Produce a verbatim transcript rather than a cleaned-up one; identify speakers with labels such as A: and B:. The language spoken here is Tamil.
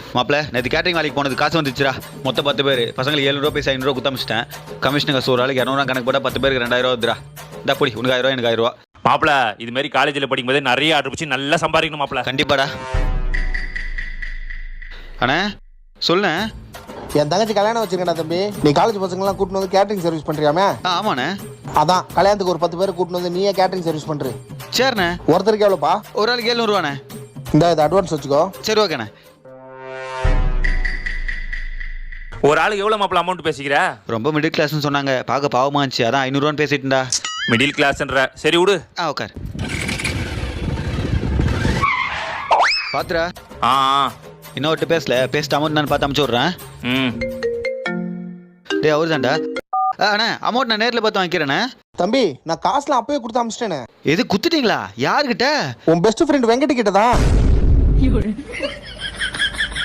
A: மாப்பிள்ள நேற்று கேட்டரிங் வேலைக்கு போனது காசு வந்துச்சுடா. மொத்தம் பத்து பேர் பசங்களுக்கு ஏழுநூறுவா பைசா ஐநூறுவா குத்தமிச்சிட்டேன். கமிஷன் காசு ஒரு ஆளுக்கு இரநூறுவா கணக்கு போட்டால் பத்து பேருக்கு ரெண்டாயிரம் ரூபா வந்துடா. இந்த பொடி உனக்கு ஆயிரம் ரூபா எனக்கு ஆயிரம் ரூபா.
B: மாப்பிள இது மாதிரி காலேஜில் படிக்கும்போது நிறைய ஆர்டர் பிடிச்சி நல்லா சம்பாதிக்கணும் மாப்பிள.
A: கண்டிப்பாடா. அண்ணா சொல்லு.
C: என் தங்கச்சி கல்யாணம் வச்சிருக்கா தம்பி. நீ காலேஜ் பசங்களாம் கூட்டிட்டு வந்து கேட்டரிங் சர்வீஸ் பண்றியாமே?
A: ஆமாண்ணே.
C: அதான் கல்யாணத்துக்கு ஒரு பத்து பேர் கூட்டிட்டு வந்து நீயே கேட்டரிங் சர்வீஸ் பண்ற.
A: சரிண்ணே.
C: ஒருத்தருக்கு எவ்வளோப்பா?
A: ஒரு ஆளுக்கு ஏழுநூறுவாண்ணே.
C: இந்த இது அட்வான்ஸ் வச்சுக்கோ.
A: சரி ஓகேண்ணே.
B: ஒரு ஆளுக்கு எவ்வளோ மாப்பிள அமௌண்ட் பேசிக்கிற?
A: ரொம்ப மிடில் கிளாஸ்னு சொன்னாங்க, பார்க்க பாவமா இருந்துச்சு, அதான் ஐநூறுவான்னு பேசிட்டுண்டா.
B: மிடில் கிளாஸ்ன்ற சரி விடு.
A: ஆ உட்கார். பாத்துரா.
B: ஆ
A: இன்னும் விட்டு பேசல, பேசிட்டு அமௌண்ட் நான் பார்த்து அமுச்சு விட்றேன்.
B: ம்
A: டே அவரு தான்டா. அண்ணா அமௌண்ட் நான் நேரில் பார்த்து வாங்கிக்கிறேண்ணே.
C: தம்பி நான் காசுலாம் அப்பவே கொடுத்து அமிச்சிட்டேனே.
A: எது குத்துட்டீங்களா? யாருக்கிட்ட?
C: உன் பெஸ்ட் ஃப்ரெண்ட் வெங்கட் கிட்ட தான்.